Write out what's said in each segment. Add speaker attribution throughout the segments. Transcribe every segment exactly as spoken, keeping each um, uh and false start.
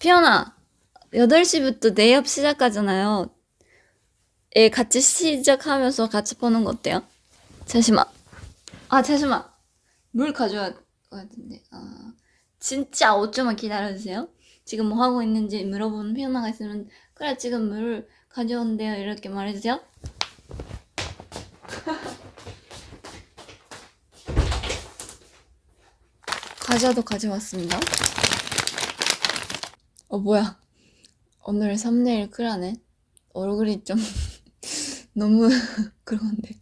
Speaker 1: 피어나, 여덟 시부터 네이업 시작하잖아요. 예, 같이 시작하면서 같이 보는 거 어때요? 잠시만. 아, 잠시만. 물 가져야 할 것 같은데. 아, 진짜 오 초만 기다려주세요. 지금 뭐 하고 있는지 물어보는 피어나가 있으면, 그래, 지금 물 가져온대요. 이렇게 말해주세요. 과자도 가져왔습니다. 어, 뭐야. 오늘 썸네일 쿨하네. 얼굴이 좀 너무 그런데.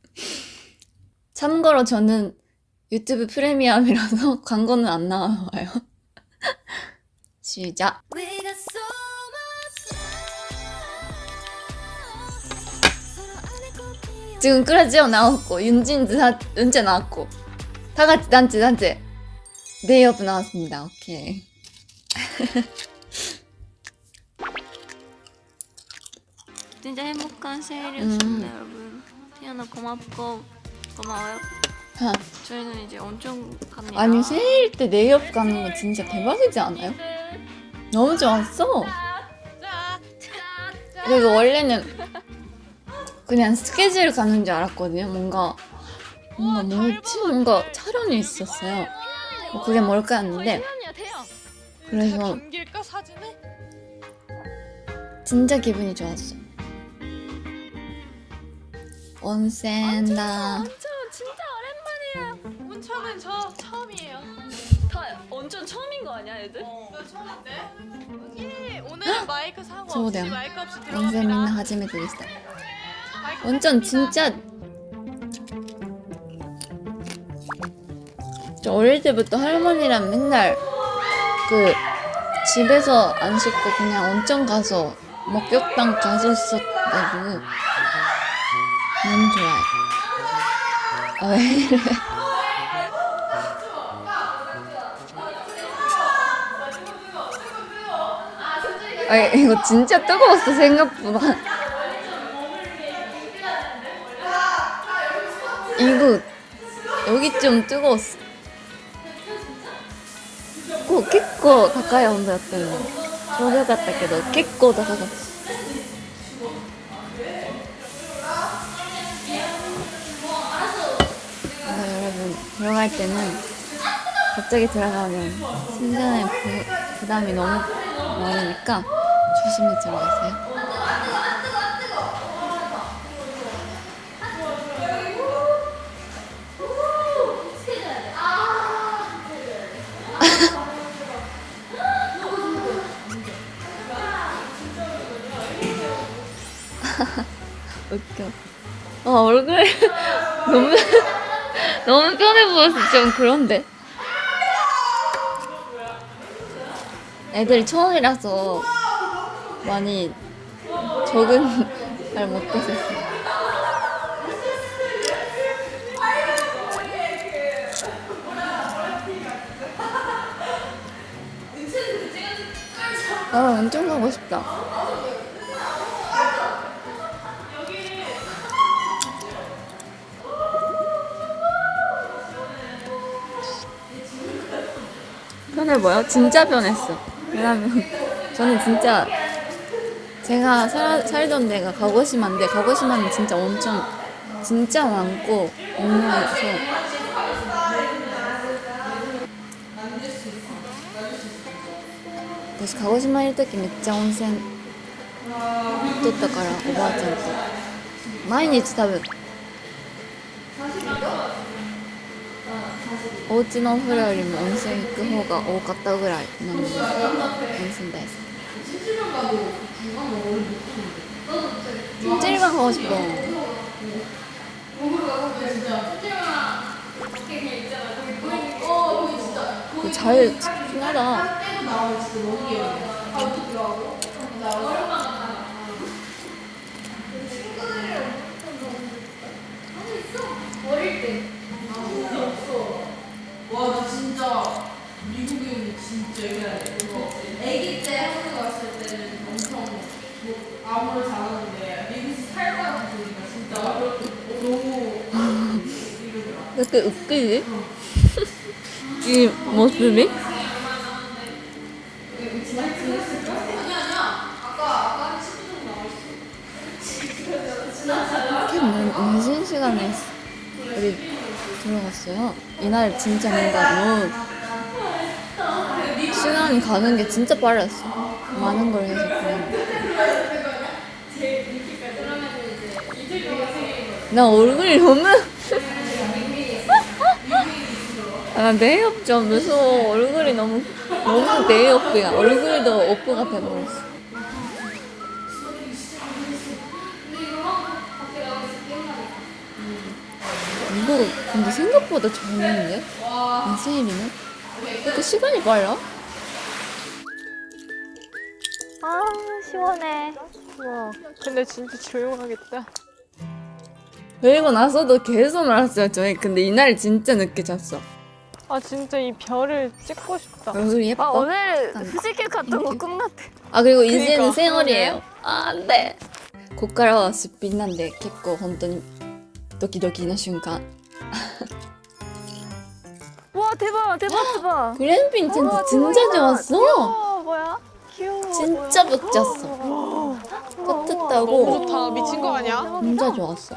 Speaker 1: 참고로 저는 유튜브 프리미엄이라서 광고는 안 나와요. 시작. 지금 끄라지오 나왔고 윤진즈 은재 나왔고 다 같이 단체 단체 네이업 나왔습니다. 오케이.
Speaker 2: 진짜 행복한 생일이었습니다, 음. 여러분. 피아노 고맙고 고마워요.
Speaker 1: 하.
Speaker 2: 저희는 이제 온천 갑니다.
Speaker 1: 아니 생일 때 네이업 가는 거 진짜 대박이지 않아요? 너무 좋았어. 그리고 원래는 그냥 스케줄 가는 줄 알았거든요. 뭔가 뭔가 뭐였지? 뭔가 촬영이 있었어요. 뭐 그게 뭘까 했는데 그래서 진짜 기분이 좋았어. 온센다.
Speaker 2: 온천 진짜 오랜만이에요.
Speaker 3: 온천은 저 처음이에요.
Speaker 2: 다 온천 처음인 거 아니야, 애들?
Speaker 3: 어, 나 처음인데. 예, 오늘 마이크 사고 없이
Speaker 1: 저도요.
Speaker 3: 마이크 없이
Speaker 1: 온센 민나
Speaker 3: 들어갑니다.
Speaker 1: 하지메테 데시다.
Speaker 3: 마이크
Speaker 1: 온천
Speaker 3: 켰습니다.
Speaker 1: 진짜 저 어릴 때부터 할머니랑 맨날 그 집에서 안 씻고 그냥 온천 가서 목욕탕 갔었어가지고 너무 좋아요. 아, 왜 이래? 아, 이거 진짜 뜨거웠어 생각보다. 이거 여기 좀 뜨거웠어. 結構高い温度やったよね。ちょうどよかったけど結構高かった。 여러분 들어갈 때는 갑자기 들어가면 심장에 부, 부담이 너무 많으니까 조심히 들어가세요. 웃겨. 어, 얼굴 너무 너무 편해 보여서 좀 그런데. 애들이 처음이라서 많이 적응 잘 못했었어. 아, 엄청 가고 싶다. 편해 보여? 진짜 편했어. 왜냐면 저는 진짜 제가 살, 살던 데가 가고시마인데 가고시마는 진짜 엄청 진짜 많고 유명해서私鹿児島いる時めっちゃ温泉行っとったからおばあちゃんと毎日多分お家のお風呂よりも温泉行く方が多かったぐらいなので温泉大好き。찜질방 가고 싶어. 잘 찍긴 하다.
Speaker 3: 와, 나 진짜 미국인 진짜 옛날에 아기 때 한국 왔을 때는 엄청 뭐 아무렇지 않았는데 미국에서 살다가 보니까 진짜 너무 이러더라.
Speaker 1: 그때 웃기지? 이 모습이?
Speaker 3: 많이 지냈을까? 아니 아니야. 아까 아까 한 십 분 정도 나왔어.
Speaker 1: 이렇게 늦은 시간에 우리 들어갔어요. 이날 진짜 뭔가 너무 시간이 가는 게 진짜 빨랐어. 많은 걸 해서 그냥. 나 얼굴이 너무 아, 메이업 좀 무서워. 얼굴이 너무 너무 메이업이야. 얼굴도 오프가 돼버렸어. 이거 근데 생각보다 적는데? 이 세일이는? 왜 이렇게 시간이 빨라?
Speaker 2: 아 시원해.
Speaker 4: 와, 근데 진짜 조용하겠다.
Speaker 1: 그리고 나서도 계속 놀았어요 저희. 근데 이날 진짜 늦게 잤어.
Speaker 4: 아, 진짜 이 별을 찍고 싶다.
Speaker 1: 얼굴이 예뻐?
Speaker 2: 아 오늘 후지길 갔던 거 꿈같아.
Speaker 1: 아 그리고 이제는
Speaker 4: 그러니까.
Speaker 1: 생얼이에요. 아 안돼. こっからはすっぴんなんで結構本当にドキドキな瞬間.
Speaker 2: 와 대박 대박 대박.
Speaker 1: 글램핑 텐트 진짜 좋았어.
Speaker 2: 어 뭐야? 귀여워.
Speaker 1: 진짜 멋졌어. 따뜻하고
Speaker 4: 너무 좋다. 미친 거 아니야?
Speaker 1: 진짜 좋았어.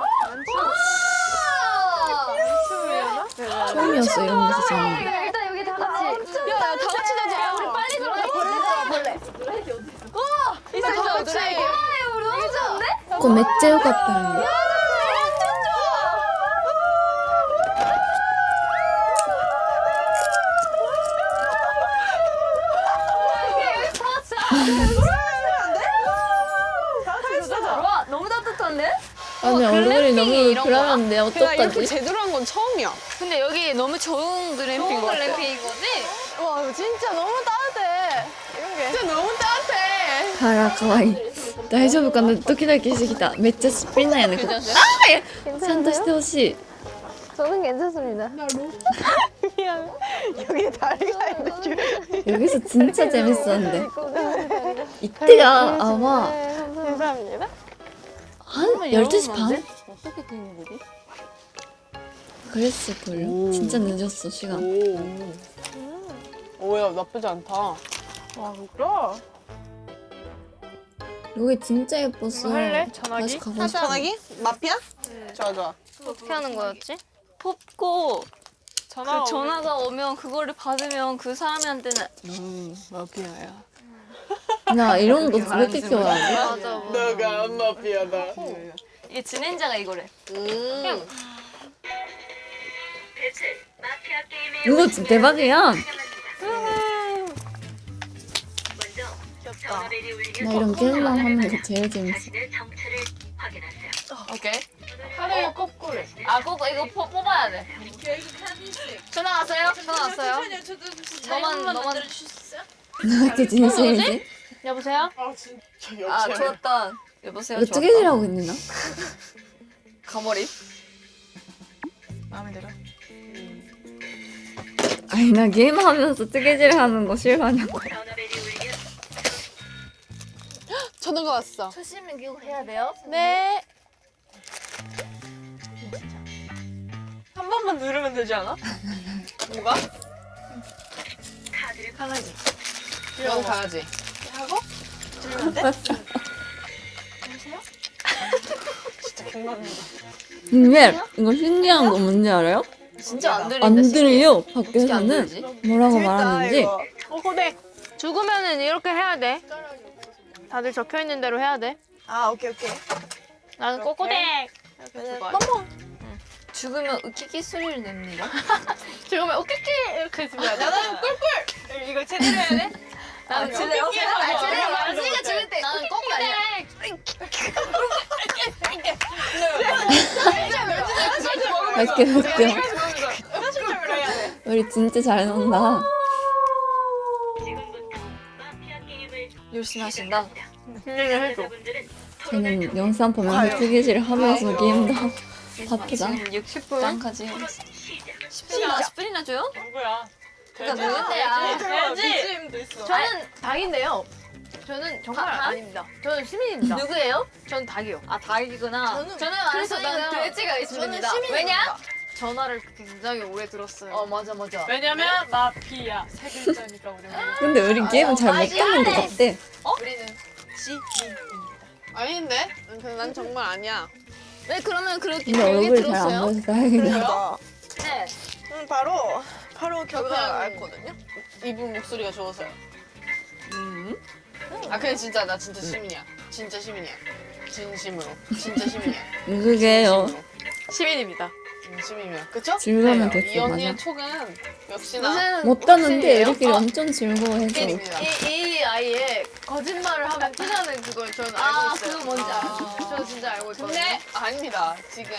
Speaker 1: 처음이었어 이런 데서 자는 게.
Speaker 2: 일단 여기 다 같이.
Speaker 4: 야, 다 같이 자자. 우리 빨리
Speaker 2: 들어가. 벌레 벌레.
Speaker 4: 있어, 다 같이.
Speaker 2: 너무 좋은데?
Speaker 1: 그거 めっちゃ良かったのに.
Speaker 2: 와 너무 따뜻한데?
Speaker 1: 아니 얼굴이 너무
Speaker 2: 이런
Speaker 1: 그러는데
Speaker 4: 내가 이렇게
Speaker 1: 어떡하지?
Speaker 4: 제대로 한 건 처음이야.
Speaker 2: 근데 여기 너무 좋은 글램핑 것 같아. 글램핑인 거지?
Speaker 4: 와, 진짜 너무 따뜻해. 이런 게. 진짜 너무 따뜻해.
Speaker 1: あら可愛い大丈夫かなドキドキしてきためっちゃすっぴんなんやねこれあーちゃんとしてほしい
Speaker 2: 저는 괜찮습니다.
Speaker 4: 미안. 여기 다리가 있는데.
Speaker 1: 여기서 진짜 재밌었는데 이때가 아마
Speaker 4: 감사합니다.
Speaker 1: 한 열두 시 반? 어떻게 된 거지? 그랬을걸요? 진짜 늦었어 시간.
Speaker 4: 오. 오야, 나쁘지 않다. 와, 그래?
Speaker 1: 여기 진짜 예뻤어.
Speaker 4: 할래? 전화기?
Speaker 1: 다시 가고 싶어.
Speaker 4: 전화기? 마피아? 좋아, 좋아.
Speaker 2: 어떻게 하는 거였지? 뽑고
Speaker 4: 전화.
Speaker 2: 그 전화가 오면 그거를 받으면 그 사람한테는
Speaker 4: 음, 마피아야.
Speaker 1: 나 이런 거 그렇게 좋아하지?
Speaker 2: 맞아.
Speaker 4: 너가 안 마피아다.
Speaker 2: 이게 진행자가 이거래.
Speaker 4: 음.
Speaker 1: 이거 진짜 대박이야. 나 이런 게임만 하는 게 제일 재밌어.
Speaker 2: 오케이. 하루에 거꾸로. 아 거꾸 이거 포, 뽑아야 돼. 전화 왔어요? 전화 왔어요? 너만 너만
Speaker 1: 나 이렇게 진심이지?
Speaker 2: 여보세요?
Speaker 4: 아, 진짜
Speaker 2: 아
Speaker 4: 역시.
Speaker 2: 좋았다. 여보세요?
Speaker 1: 이거 뜨개질하고 있니 나?
Speaker 2: 가머리.
Speaker 4: 마음에 들어?
Speaker 1: 아니 나 게임하면서 뜨개질 하는 거 싫어하냐고.
Speaker 4: 전화가 왔어.
Speaker 2: 초심을 기고 해야 돼요?
Speaker 4: 네. 한 번만 누르면 되지 않아? 뭐가?
Speaker 2: 강아지.
Speaker 4: 넌 가야지. 하고? 들면 돼? 진짜 개망이다.
Speaker 1: 근데 이거 신기한 거 뭔지 알아요?
Speaker 2: 진짜 안 들린다.
Speaker 1: 안 들려.
Speaker 2: 어떻게 안
Speaker 1: 밖에서는
Speaker 2: 들리지?
Speaker 1: 뭐라고 말하는지.
Speaker 4: 어, 고대.
Speaker 5: 죽으면은 이렇게 해야 돼. 다들 적혀 있는 대로 해야 돼.
Speaker 4: 아, 오케이, 오케이.
Speaker 5: 나는 꼬꼬댁. 이렇게 죽어야 돼.
Speaker 2: 죽으면 으키키 소리를 냅니다.
Speaker 5: 죽으면 오케케 이렇게 죽어야 돼.
Speaker 4: 나는 꿀꿀. 이거 제대로 해야 돼?
Speaker 2: 나는
Speaker 4: 아,
Speaker 2: 제대로
Speaker 4: 오케이,
Speaker 2: 해야 돼.
Speaker 4: 오케이.
Speaker 2: 제대로
Speaker 4: 오케이.
Speaker 2: 말하니까 죽을 때. 나는 꼬꼬 아니야.
Speaker 1: 맛있게 먹죠. 우리 진짜 잘 논다.
Speaker 2: 열심히 하신다.
Speaker 1: 저는 영상 보면서 뜨개질 하면서 게임도 하고 바쁘다.
Speaker 2: 지금 육십 분? 짱까지. 십 분이나, 십 분이나 줘요?
Speaker 4: 누구야?
Speaker 2: 그러니까 누군데야?
Speaker 4: 돼지. 비지임도 있어.
Speaker 5: 저는 닭인데요. 저는 정말
Speaker 2: 닭?
Speaker 5: 아닙니다. 저는 시민입니다.
Speaker 2: 누구예요?
Speaker 5: 전 닭이요.
Speaker 2: 아, 닭이구나.
Speaker 5: 저는-
Speaker 2: 저는
Speaker 5: 그래서
Speaker 2: 안소는
Speaker 5: 나는
Speaker 2: 돼지가 있습니다.
Speaker 5: 저는 시민입니다.
Speaker 2: 왜냐?
Speaker 5: 전화를 굉장히 오래 들었어요.
Speaker 2: 어 맞아 맞아.
Speaker 3: 왜냐면 마피아 세 글자니까 우리.
Speaker 1: 근데 우리 게임은 잘 못 듣는 것 같대.
Speaker 2: 우리는
Speaker 4: 아닌데? 근데 난 정말 아니야.
Speaker 2: 네 그러면 그렇게
Speaker 1: 근데 얼굴이 잘 안 보여서 다행이다.
Speaker 2: 네.
Speaker 4: 음, 바로 바로 결과를 알거든요. 이분 목소리가 좋아서요. 음. 아 근데 진짜 나 진짜 시민이야. 진짜 시민이야. 진심으로. 진짜 시민이야.
Speaker 1: 누구게요?
Speaker 4: 진심으로.
Speaker 5: 시민입니다.
Speaker 4: 음, 시민이야. 그쵸?
Speaker 1: 즐거우면
Speaker 4: 네,
Speaker 1: 됐어,
Speaker 4: 이 언니의
Speaker 1: 맞아.
Speaker 4: 촉은 역시나
Speaker 2: 무슨
Speaker 1: 못 따는데
Speaker 2: 혹시예요?
Speaker 1: 우리끼리
Speaker 2: 어,
Speaker 1: 엄청 즐거워해서.
Speaker 4: 일입니다.
Speaker 5: 이, 이 아이의 거짓말을 하면 티나는 그걸 저는 알고
Speaker 2: 아
Speaker 5: 있어요.
Speaker 2: 그거 뭔지 알아.
Speaker 5: 저 진짜 알고 있거든요.
Speaker 4: 근데 아닙니다. 지금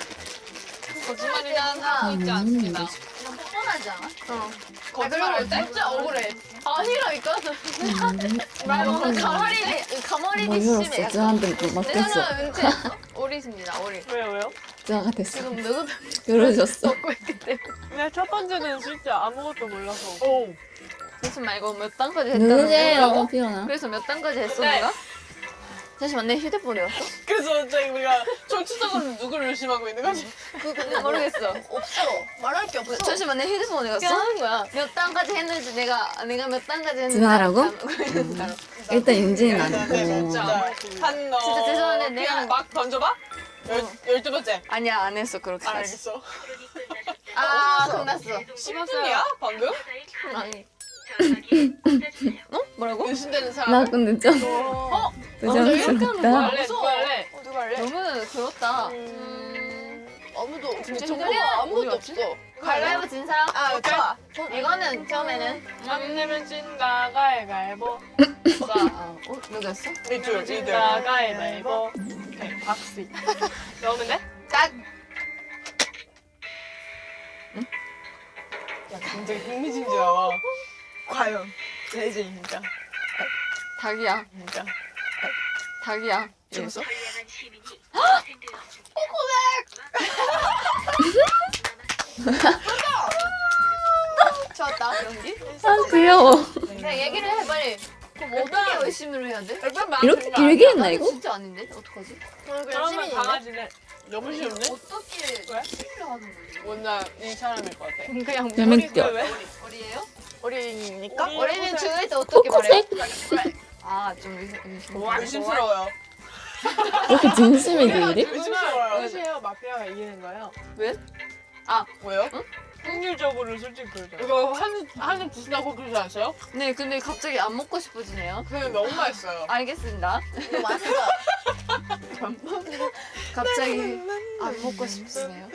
Speaker 4: 거짓말이란 하고 있지 않습니다.
Speaker 2: 그냥 뻔하지 않아?
Speaker 4: 거짓말할 때 진짜 억울해.
Speaker 5: 아니라니까.
Speaker 2: 말보다 가머리리
Speaker 1: 뭐
Speaker 2: 가머리리 심해.
Speaker 1: 열었어.
Speaker 2: 약간.
Speaker 1: 저한테 못
Speaker 5: 내
Speaker 1: 맡겼어.
Speaker 5: 전화 은퇴했어. 오리입니다. 오리.
Speaker 3: 왜요 왜요?
Speaker 1: 저가 됐어.
Speaker 5: 지금 누구
Speaker 1: 열어줬어.
Speaker 5: 먹고 있기 때문에.
Speaker 3: 근데 첫 번째는 진짜 아무것도 몰라서.
Speaker 4: 오.
Speaker 5: 잠시만 이거 몇 단까지 했다는
Speaker 1: 누구세요,
Speaker 5: 거야?
Speaker 1: 피오나?
Speaker 5: 그래서 몇 단까지 했어
Speaker 3: 네.
Speaker 5: 내가? 잠시만 내 휴대폰이 왔어?
Speaker 4: 그래서 저희 우리가 정치적으로 누구를 의심하고 있는 거지?
Speaker 5: 그거 모르겠어.
Speaker 2: 없어. 말할 게 없어.
Speaker 5: 잠시만 내 휴대폰이
Speaker 2: 그냥
Speaker 5: 갔어?
Speaker 2: 하는 거야.
Speaker 5: 몇 단까지 했는지 내가 내가 몇 단까지 했는지
Speaker 1: 전화라고?
Speaker 5: 알아.
Speaker 1: 일단 윤진이는 안
Speaker 4: 네,
Speaker 1: 했고.
Speaker 4: 진짜 한 너.
Speaker 5: 진짜 죄송한데
Speaker 4: 그냥
Speaker 5: 내가-
Speaker 4: 막 던져봐. 열 열두 번째.
Speaker 5: 아니야 안 했어 그렇게.
Speaker 4: 알겠어.
Speaker 5: 아 끝났어.
Speaker 4: 심슨이야 방금?
Speaker 5: 아니. 어? 뭐라고?
Speaker 4: 의심되는 사람.
Speaker 1: 나 근데 좀
Speaker 5: 어?
Speaker 1: 부정스럽다.
Speaker 4: 할래? 누가 할래?
Speaker 5: 어, 누가 할래? 너무 그렇다.
Speaker 4: 음, 아무도
Speaker 5: 진짜
Speaker 4: 정보가
Speaker 5: 힘들어.
Speaker 4: 아무것도
Speaker 5: 어디
Speaker 4: 없어.
Speaker 5: 가위바위보 진 사람?
Speaker 4: 아 좋아.
Speaker 5: 이거는 처음에는
Speaker 3: 안 내면 진다 가위바위보.
Speaker 5: 자, 어, 어? 누구였어?
Speaker 4: 이둘 이둘.
Speaker 3: 진다 가위바위보. 네, 박스. 넣으면 돼?
Speaker 5: 딱!
Speaker 4: 야 굉장히 흥미진진하다. 과연 레즈입니까?
Speaker 5: 닭이야.
Speaker 4: 진짜.
Speaker 5: 닭이야.
Speaker 4: 죽었어?
Speaker 5: 좋았다. 연기?
Speaker 1: 아 귀여워.
Speaker 5: 그냥 얘기를 해 빨리. 그럼 어떻게 의심을 해야 돼?
Speaker 1: 이렇게 길게 했나 이거?
Speaker 5: 진짜 아닌데? 어떡하지?
Speaker 3: 그러면 강아지는
Speaker 4: 너무 쉬운데?
Speaker 5: 어떻게
Speaker 3: 왜?
Speaker 5: 의심을 하는 거지?
Speaker 4: 뭔가 이 사람일 것 같아.
Speaker 5: 그냥
Speaker 1: 재밌죠?
Speaker 3: 왜?
Speaker 5: 어리예요?
Speaker 4: 어린이니까?
Speaker 3: 우리
Speaker 5: 어린이는
Speaker 3: 해보세요.
Speaker 5: 중일 때 어떻게 말해?
Speaker 1: 코코색?
Speaker 5: 아, 좀 의심, 의심.
Speaker 3: 와,
Speaker 4: 의심스러워요.
Speaker 1: 이렇게 진심이게 이래?
Speaker 4: 의심스러워요.
Speaker 3: 끝이에요. 마피아가 이기는 거예요.
Speaker 4: 뭐요?
Speaker 3: 확률적으로 솔직히 그러죠.
Speaker 4: 이거 한입 한입 드신다고 그러지 않으세요?
Speaker 5: 네, 근데 갑자기 안 먹고 싶어지네요.
Speaker 4: 그게 너무 맛있어요.
Speaker 5: 알겠습니다.
Speaker 2: 이거 맛있어.
Speaker 5: 갑자기 안 먹고 싶으네요.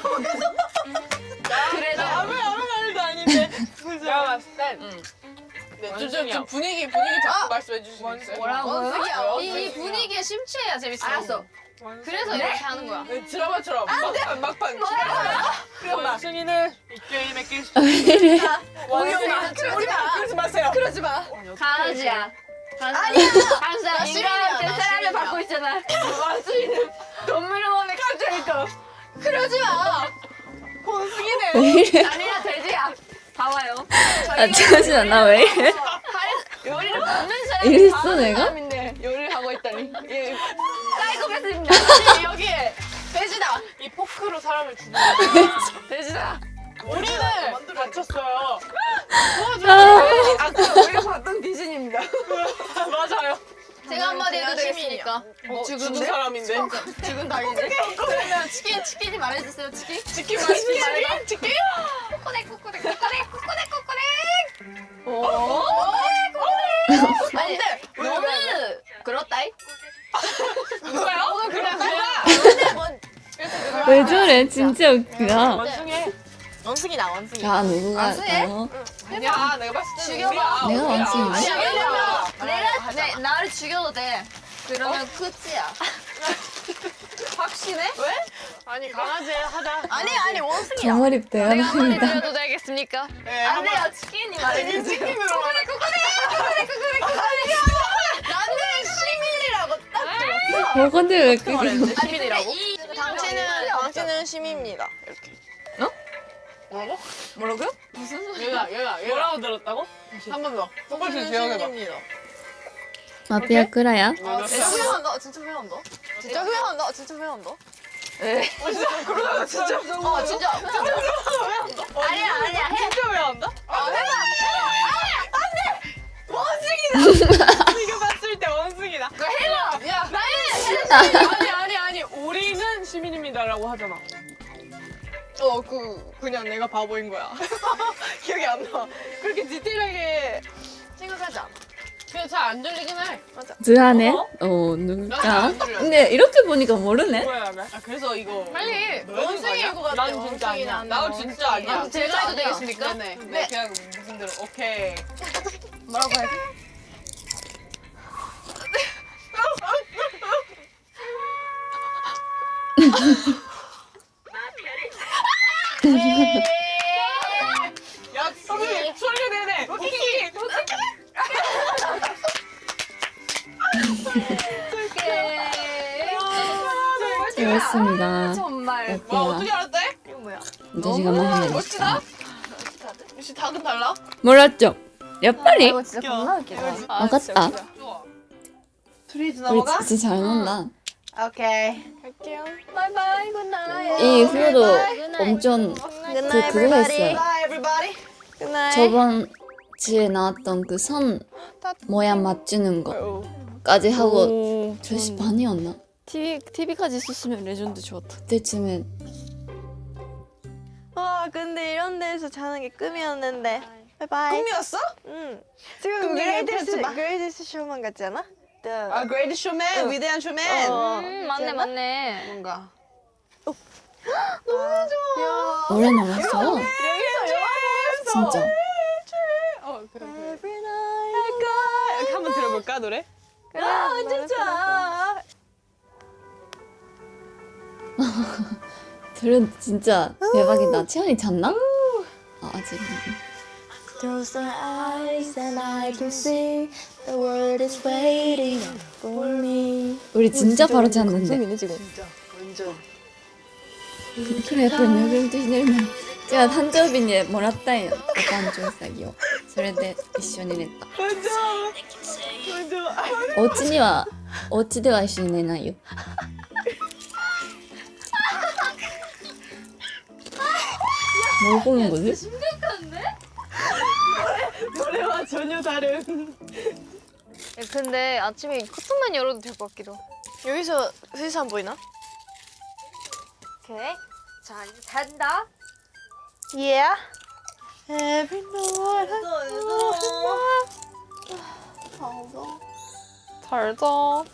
Speaker 5: 그래도
Speaker 3: 아무 아무 말도 아닌데. 내가 봤을 땐
Speaker 5: 응.
Speaker 4: 네, 좀, 좀,
Speaker 3: 원숭이요.
Speaker 4: 좀 분위기 분위기 잡고 말씀해 주실 수 있어요?
Speaker 5: 뭐라고요?
Speaker 4: 이-
Speaker 5: 이, 이 분위기에 심취해야 재밌어.
Speaker 2: 알았어.
Speaker 5: 그래서 이렇게 하는 거야.
Speaker 4: 네, 드라마처럼 막판 막판.
Speaker 3: 원숭이는 이 게임에 낄 수.
Speaker 1: 이래?
Speaker 4: 원숭이는 그러지 마. 그러지 마세요. 그러지 마.
Speaker 5: 강아지야. 아니야. 항상 인간한테
Speaker 2: 나
Speaker 5: 사랑을
Speaker 2: 시민이야.
Speaker 5: 받고 있잖아. 원숭이는 동물원에 갑자기 또. 그러지 마.
Speaker 1: 왜 이래?
Speaker 5: 아니야 돼지야. 봐봐요.
Speaker 1: 아 잠시만 나 왜 이래?
Speaker 5: 요리를 받는 사람이
Speaker 1: 이랬어,
Speaker 5: 받는
Speaker 1: 내가?
Speaker 5: 사람인데 요리를 하고 있다니. 예. 사이코패스입니다.
Speaker 4: 여기에 돼지다.
Speaker 3: 이 포크로 사람을 죽이는.
Speaker 5: 돼지다.
Speaker 3: 우리는 다쳤어요.
Speaker 1: 아,
Speaker 5: 아까 우리가 봤던 귀신입니다.
Speaker 3: 맞아요.
Speaker 5: 제가 한마디 해도
Speaker 2: 그냥
Speaker 5: 되겠습니까?
Speaker 4: 어, 죽은
Speaker 5: 죽은데?
Speaker 4: 사람인데.
Speaker 5: 죽은 닭인데? 그러면 치킨, 치킨이 말해주세요, 치킨.
Speaker 4: 치킨 맛있게 치킨 치킨.
Speaker 5: 코코넥, 코코넥, 코코넥, 코코넥, 코코넥. 오. 아니, 너무 그렇다이?
Speaker 4: 누가요?
Speaker 5: 그냥 그냥.
Speaker 1: 왜 저래? 진짜 웃기다.
Speaker 3: 원숭이.
Speaker 2: 원숭이다 원숭이.
Speaker 1: 자 누구가
Speaker 5: 아, 쎄?
Speaker 1: 할까요?
Speaker 4: 아니야, 내가 봤을 때는
Speaker 5: 죽여봐.
Speaker 4: 우리야.
Speaker 1: 내가
Speaker 4: 우리야.
Speaker 1: 원숭이야.
Speaker 5: 아니야,
Speaker 2: 왜냐면
Speaker 5: 내가, 내, 나를 죽여도 돼. 그러면 끝이야.
Speaker 4: 확신해?
Speaker 3: 아니 강아지 하자.
Speaker 2: 아니 아니 원숭이야.
Speaker 1: 정어립
Speaker 5: 내가 한마디
Speaker 1: 대화입니다.
Speaker 5: 드려도 되겠습니까?
Speaker 4: 네,
Speaker 5: 안
Speaker 4: 한번-
Speaker 5: 돼요, 치킨이 말해주세요.
Speaker 4: 치킨으로 말해.
Speaker 2: 나는 시민이라고 딱 들었어.
Speaker 1: 어 근데 왜 그게
Speaker 2: 시민이라고? 당신은 당신은 시민입니다. 이렇게.
Speaker 4: 뭐라고?
Speaker 5: 뭐라고요?
Speaker 4: 얘가 얘가 얘가
Speaker 3: 뭐라고 들었다고?
Speaker 4: 한 번 더. 똑같이 기억해봐.
Speaker 2: 시민입니다.
Speaker 1: 마피아 끄라야?
Speaker 2: 아, 진짜 후회한다. 진짜 후회한다. 진짜 후회한다. 진짜 후회한다.
Speaker 4: 그러다가 진짜. 어 진짜.
Speaker 2: 아니야 아니야 해.
Speaker 4: 진짜 왜 안 다? 아 해봐. 원숭이다. 이거 봤을 때 원숭이다.
Speaker 2: 그거 해봐.
Speaker 4: 야 나는 아니 아니 아니 우리는 시민입니다라고 하잖아. 어 그 그냥 내가 바보인 거야. 기억이 안 나. 그렇게 디테일하게 생각하자. 그냥 잘 안 들리긴 해. 맞아.
Speaker 1: 드하네?
Speaker 4: 어?
Speaker 1: 어,
Speaker 4: 나는
Speaker 1: 누가?
Speaker 4: 안 들려.
Speaker 1: 근데 이렇게 보니까 모르네?
Speaker 4: 뭐야 나? 아 그래서 이거
Speaker 2: 빨리.
Speaker 4: 원숭이일 것 같아. 난 진짜 아니야. 나 진짜 아니야.
Speaker 2: 아, 제가 해도 되겠습니까?
Speaker 4: 네네. 네 그냥 무슨 대로 오케이.
Speaker 2: 뭐라고 해야지?
Speaker 4: 야 선생님 소리 내네. 오케이.
Speaker 1: 재밌습니다.
Speaker 2: 정말.
Speaker 4: 와
Speaker 1: 어때요?
Speaker 4: 어떻게 알았대?
Speaker 2: 이거 뭐야?
Speaker 1: 자식아 많이
Speaker 4: 멋지다.
Speaker 1: 해줬다.
Speaker 4: 역시 닭은 달라.
Speaker 1: 몰랐죠? 야빨리?
Speaker 2: 이거 진짜 겁나 웃기다.
Speaker 1: 아, 같다.
Speaker 4: 좋아.
Speaker 3: 둘이
Speaker 1: 우리 진짜 잘 논다.
Speaker 3: 오케이.
Speaker 4: 갈게요.
Speaker 2: 바이바이 굿나잇.
Speaker 1: 이 후로도 엄청 그 그거 했어요.
Speaker 3: Bye everybody.
Speaker 2: 굿나잇.
Speaker 1: 저번 주에 나왔던 그 선 모양 맞추는 거까지 하고 몇 시 반이었나?
Speaker 2: 티비 티비까지 있었으면 레전드 좋았다.
Speaker 1: 그때쯤에
Speaker 6: 아 근데 이런 데서 자는 게 꿈이었는데 바이바이.
Speaker 3: 꿈이었어?
Speaker 6: 응. 지금
Speaker 3: 그럼
Speaker 6: 그레이티스
Speaker 3: 얘기해보지 마.
Speaker 6: 그레이티스 쇼만 같지 않아?
Speaker 3: 아 그레이트 쇼맨, 위대한 쇼맨.
Speaker 6: 어.
Speaker 2: 음 맞네 맞네.
Speaker 3: 뭔가.
Speaker 1: 오래 남았어. 진짜.
Speaker 4: 어 그래 그래.
Speaker 6: Every night I go.
Speaker 4: 이렇게 한번 들어볼까 노래?
Speaker 6: 아 완전 좋아.
Speaker 1: 들은 진짜 대박이다. 채연이 잤나? 아, 아직.
Speaker 6: Close my eyes and I can see the world is waiting for me.
Speaker 1: 우리 진짜 바로 잤는데.
Speaker 2: 지금.
Speaker 3: 진짜 완전.
Speaker 1: 그래,やっぱりぬいぐるみとひねるの。じゃあ誕生日にもらったんよ。お誕生日詐欺を。それで一緒に寝た。お家には、お家では一緒に寝ないよ。 뭐 보는 거지?
Speaker 4: 노래와 전혀 다른.
Speaker 5: 근데 아침에 커튼만 열어도 될 것 같기도.
Speaker 6: 여기서 세상 보이나?
Speaker 5: 오케이. 자 이제 잔다.
Speaker 6: Yeah. Every night
Speaker 5: 잘 자.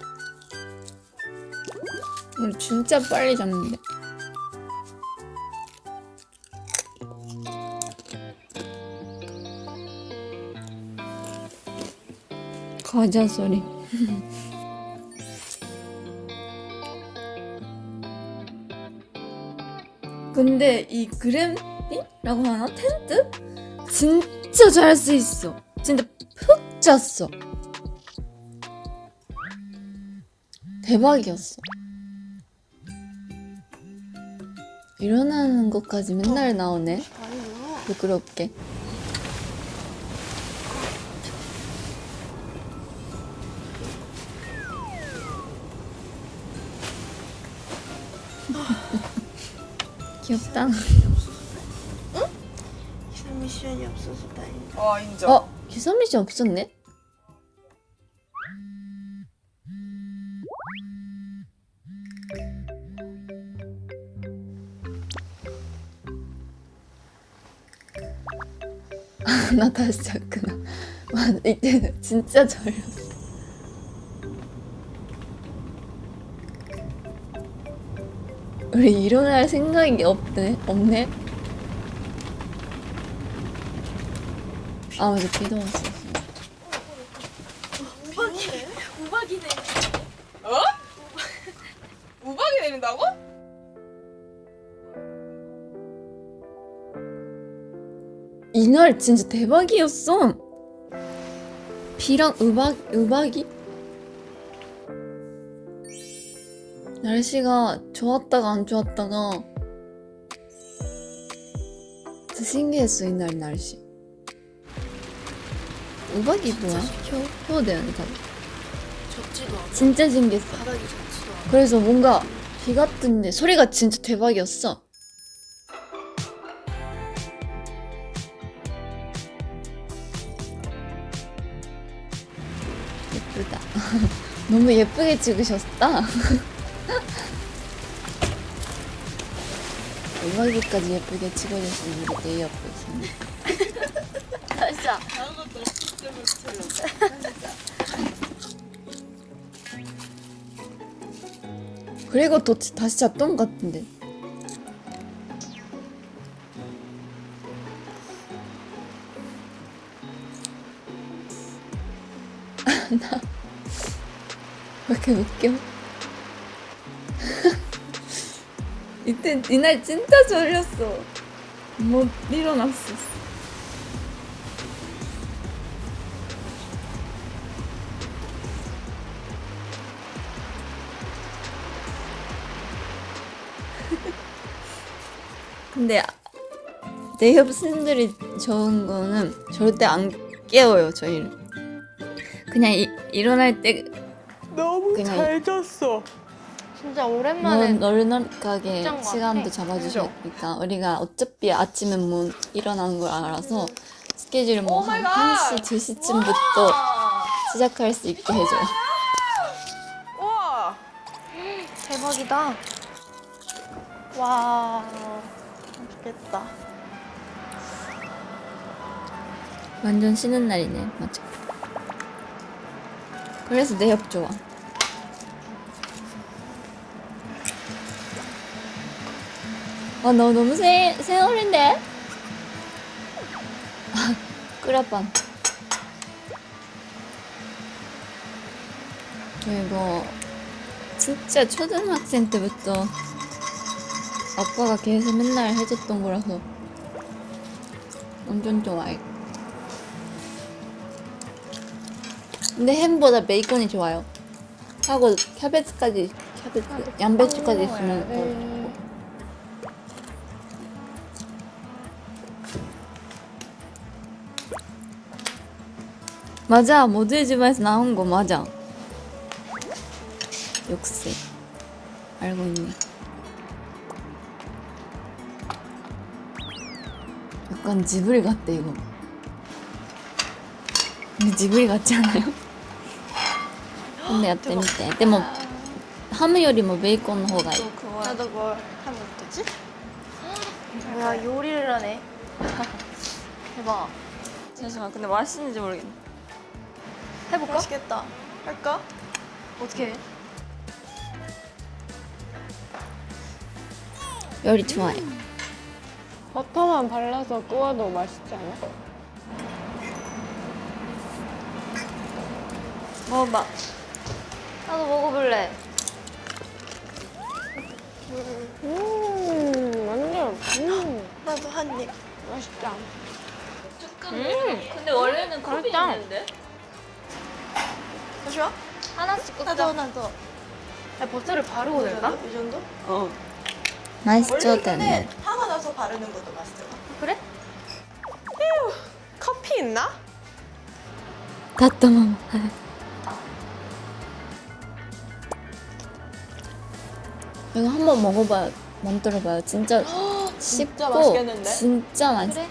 Speaker 1: 우리 진짜 빨리 잤는데. 과자 소리. 근데 이 그램핑이라고 하나? 텐트? 진짜 잘 수 있어. 진짜 푹 잤어. 대박이었어. 일어나는 것까지 맨날 나오네. 부끄럽게. 귀엽다.
Speaker 6: 기상 미션이 없어서 다행이다.
Speaker 3: 아 인정.
Speaker 1: 어? 기선 미션 없었네? 나 다시 잤구나. 와, 이때는 진짜 졸렸어. 우리 일어날 생각이 없네. 없네. 아, 맞아. 비도 왔어.
Speaker 4: 어? 우박이 내린다고?
Speaker 1: 이날 진짜 대박이었어. 비랑 우박, 우박이? 날씨가 좋았다가 안 좋았다가 진짜 신기했어. 이날 날씨. 우박이 뭐야? 효, 효대요, 다들.
Speaker 6: 젖지도 않아.
Speaker 1: 진짜 신기했어.
Speaker 6: 바닥이 젖지도 않아.
Speaker 1: 그래서 뭔가 비 같은데 소리가 진짜 대박이었어. 예쁘다. 너무 예쁘게 찍으셨다. 음악이까지 예쁘게 찍어주신 우리 네이업 교수님.
Speaker 5: 진짜.
Speaker 1: 그리고 또 다시 잤던 것 같은데. 나 왜 이렇게 웃겨? 이때 이날 진짜 졸렸어. 못 일어났어. 근데 내 협신들이 좋은 거는 절대 안 깨워요 저희를. 그냥 이, 일어날 때
Speaker 4: 너무
Speaker 1: 그냥
Speaker 4: 잘 잤어.
Speaker 5: 진짜 오랜만에
Speaker 1: 널널하게
Speaker 5: 진짜
Speaker 1: 시간도
Speaker 5: 같아.
Speaker 1: 잡아주시니까 우리가 어차피 아침에 못 일어나는 걸 알아서 스케줄 뭐 한
Speaker 4: 갓!
Speaker 1: 한 시, 두 시쯤부터 시작할 수 있게 해줘요.
Speaker 4: 우와.
Speaker 6: 대박이다. 와, 맛있겠다.
Speaker 1: 완전 쉬는 날이네. 맞아. 그래서 내 옆 좋아. 아, 너 너무 세, 세월인데? 아, 끄라빵. 저 이거 진짜 초등학생 때부터 아빠가 계속 맨날 해줬던 거라서 완전 좋아해. 근데 햄보다 베이컨이 좋아요. 하고 캐베츠까지, 캐베츠, 양배추까지 있으면 더 좋고. 맞아, 모두의 집에서 나온 거 맞아. 역시 알고 있네. 약간 지브리 같대 이거. 근데 지브리 같지 않아요? 근데 야때 밑에. 근데 뭐ハムよりもベーコンの方がいい.
Speaker 6: 나도 뭘 하면 되지? 야, 요리를 하네. 대박.
Speaker 1: 잠시만, 근데 맛있는지 모르겠네.
Speaker 6: 해볼까? 맛있겠다. 할까? 어떻게 해?
Speaker 1: 요리 좋아해.
Speaker 2: 버터만 발라서 구워도 맛있지 않아?
Speaker 1: 먹어봐.
Speaker 5: 나도 먹어볼래.
Speaker 2: 음, 완전, 음,
Speaker 6: 나도 한 입.
Speaker 2: 맛있다.
Speaker 1: 근데 원래는 컵이
Speaker 5: 맛있다.
Speaker 1: 있는데?
Speaker 6: 잠시만.
Speaker 5: 하나씩 꽂자.
Speaker 6: 나도 나도.
Speaker 5: 야, 버터를 바르고 될까?
Speaker 6: 이 정도?
Speaker 1: 어. 맛있죠,
Speaker 6: 원래
Speaker 1: 때는.
Speaker 6: 이거는 하고 나서 바르는 것도 맛있어요.
Speaker 5: 그래?
Speaker 4: 커피 있나?
Speaker 1: 다따마마. 이거 한번 먹어봐요. 만들어봐요. 진짜 쉽고
Speaker 4: 맛있겠는데?
Speaker 1: 진짜 맛있어.
Speaker 5: 그래?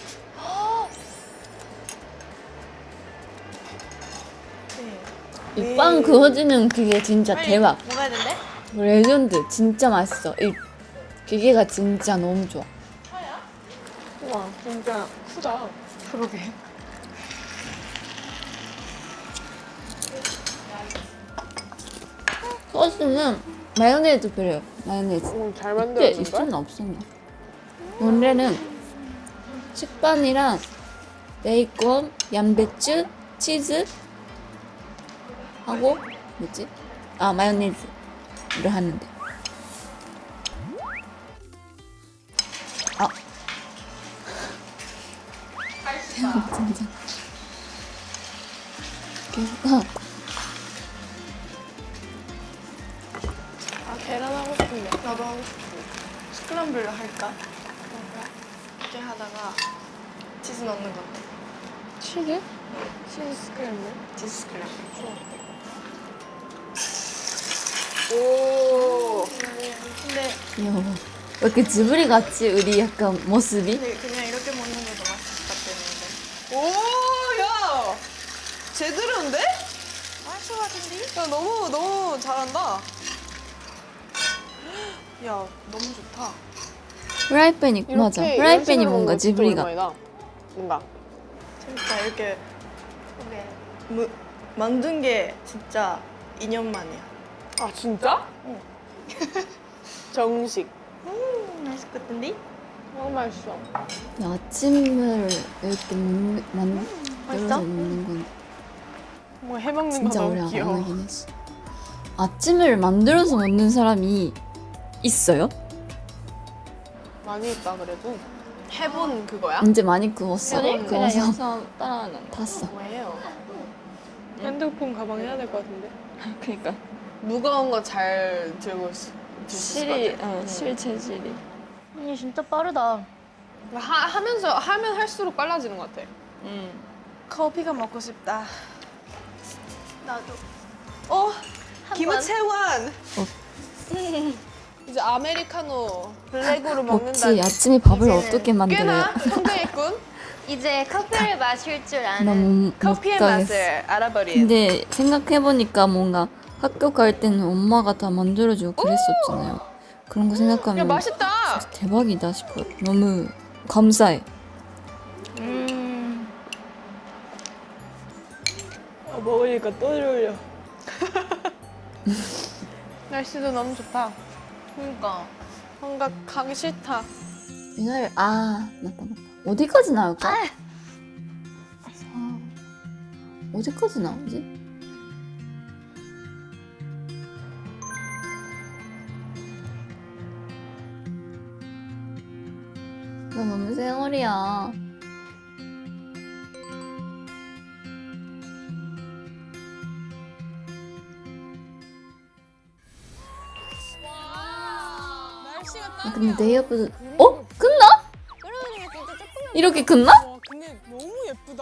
Speaker 6: 네.
Speaker 1: 이 빵 그어지는 그게 진짜
Speaker 6: 빨리
Speaker 1: 대박.
Speaker 6: 먹어야 된대?
Speaker 1: 레전드. 진짜 맛있어. 이 기계가 진짜 너무 좋아.
Speaker 4: 우와, 진짜 크다.
Speaker 6: 그러게.
Speaker 1: 소스는 마요네즈 필요해요. 마요네즈.
Speaker 2: 음, 잘
Speaker 1: 그때
Speaker 2: 만들어진 걸?
Speaker 1: 있었나 없었나? 원래는 식빵이랑 베이컨, 양배추, 치즈 하고 뭐지? 아 마요네즈를 하는데. 아. 진짜. 계속
Speaker 6: 아, 계란 하고 싶은데. 나도 하고 싶어. 스크램블 할까? 이렇게 하다가 치즈 넣는 거.
Speaker 2: 치즈? 치즈 스크램블?
Speaker 6: 치즈 스크램블.
Speaker 4: 오.
Speaker 6: 네.
Speaker 1: 귀여워. 왜 이렇게 지브리 같지? 우리 약간 모습이?
Speaker 3: 근데 그냥 이렇게 먹는 게 더 맛있을 것 같았는데.
Speaker 4: 오, 야, 제대로인데?
Speaker 3: 맛있을 것 같은데?
Speaker 4: 야, 너무 너무 잘한다. 야, 너무 좋다.
Speaker 1: 프라이팬이 맞아. 프라이팬이 뭔가 지브리 같아.
Speaker 4: 같아. 뭔가.
Speaker 3: 재밌다. 이렇게 무, 만든 게 진짜 이 년 만이야.
Speaker 4: 아, 진짜?
Speaker 3: 응.
Speaker 4: 정식.
Speaker 3: 음, 맛있을 것 같은데?
Speaker 4: 너무 맛있어.
Speaker 1: 야, 아침을 이렇게 먹는, 만들어서
Speaker 3: 맛있어?
Speaker 1: 먹는 건
Speaker 4: 뭐 해먹는 거
Speaker 1: 진짜 오래
Speaker 4: 너무
Speaker 1: 안
Speaker 4: 귀여워.
Speaker 1: 하긴 했어. 아침을 만들어서 먹는 사람이 있어요?
Speaker 4: 많이 있다 그래도. 해본 그거야?
Speaker 1: 이제 많이 구웠어.
Speaker 2: 그냥
Speaker 1: 구워서
Speaker 2: 영상 따라하는 거.
Speaker 1: 탔어.
Speaker 4: 뭐예요?
Speaker 3: 핸드폰 가방 해야 될 것 같은데?
Speaker 2: 그러니까
Speaker 4: 무거운 거 잘 들고 있- 들수 있을 것
Speaker 2: 실이
Speaker 4: 같아.
Speaker 2: 어, 실 체질이.
Speaker 6: 언니 진짜 빠르다.
Speaker 4: 하, 하면서 하면 할수록 빨라지는 것 같아.
Speaker 2: 음.
Speaker 3: 커피가 먹고 싶다.
Speaker 6: 나도.
Speaker 4: 어, 김우채원. 이제 아메리카노 블랙으로
Speaker 1: 먹지.
Speaker 4: 먹는다.
Speaker 1: 아침에 밥을
Speaker 6: 이제는
Speaker 1: 어떻게 만들어요?
Speaker 4: 꽤나 성장했군.
Speaker 6: 이제 커피를 마실 줄 아는.
Speaker 1: 너무
Speaker 4: 커피의
Speaker 1: 못 가겠어.
Speaker 4: 맛을 알아버린.
Speaker 1: 근데 생각해보니까 뭔가 학교 갈 때는 엄마가 다 만들어주고 그랬었잖아요. 그런 거
Speaker 4: 야,
Speaker 1: 생각하면
Speaker 4: 맛있다.
Speaker 1: 진짜 대박이다 싶어요. 너무 감사해.
Speaker 6: 음.
Speaker 3: 어, 먹으니까 또 졸려.
Speaker 4: 날씨도 너무 좋다.
Speaker 6: 그러니까.
Speaker 4: 뭔가 가기 싫다.
Speaker 1: 이날 아 맞다 맞다. 어디까지 나올까? 아, 어디까지 나오지? 나 너무 쌩얼이야.
Speaker 4: 날씨가
Speaker 1: 아, 근데 네이버도 어? 끝나? 이렇게 끝나?
Speaker 4: 와, 근데 너무 예쁘다.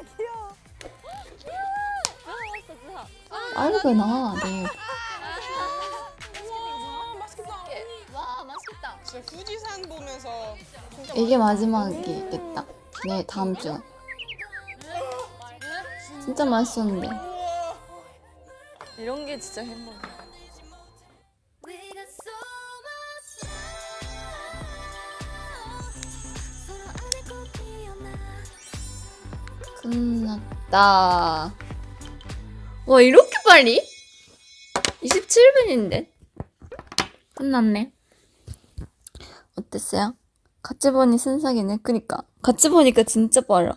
Speaker 1: 알구나 네이버.
Speaker 4: 와, 맛있겠다.
Speaker 2: 와 맛있다.
Speaker 4: 진짜富士山 보면서 진짜
Speaker 1: 이게 마지막이겠다. 네 다음 주. 진짜 맛있었는데.
Speaker 2: 이런 게 진짜 행복.
Speaker 1: 끝났다. 와 이렇게 빨리? 이십칠 분인데 끝났네. 어땠어요? 같이 보니 순삭이네. 그니까 같이 보니까 진짜 빨라.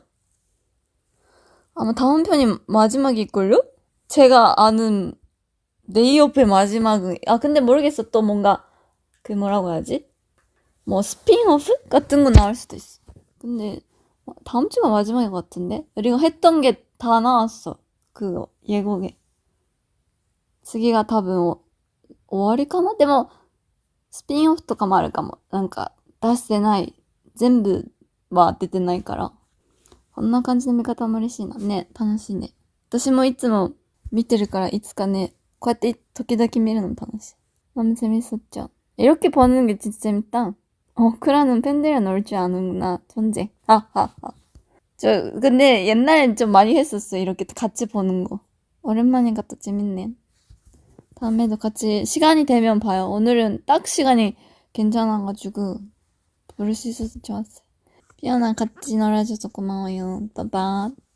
Speaker 1: 아마 다음 편이 마지막일걸요? 제가 아는 네이업의 마지막은 아 근데 모르겠어. 또 뭔가 그 뭐라고 해야지? 뭐 스핀오프 같은 거 나올 수도 있어. 근데 다음 주가 마지막인 것 같은데? 우리가 했던 게 다 나왔어. 그 예고에. 次が多分お終わりかな？でもスピンオフとかもあるかも。なんか出してない。全部は出てないから。こんな感じの見方も嬉しいな。ね、楽しいね。私もいつも見てるからいつかね、こうやって時々見るのも楽しい. 너무 재밌었죠. 이렇게 보는 게 진짜 재밌다. 어, 크라는 팬들이랑 놀 줄 아는구나. 존재. 하하하. 저 근데 옛날엔 좀 많이 했었어. 이렇게 같이 보는 거. 오랜만이니까 또 재밌네. 다음에도 같이 시간이 되면 봐요. 오늘은 딱 시간이 괜찮아가지고 부를 수 있어서 좋았어요. 피어나 같이 놀아줘서 고마워요. 빠빠.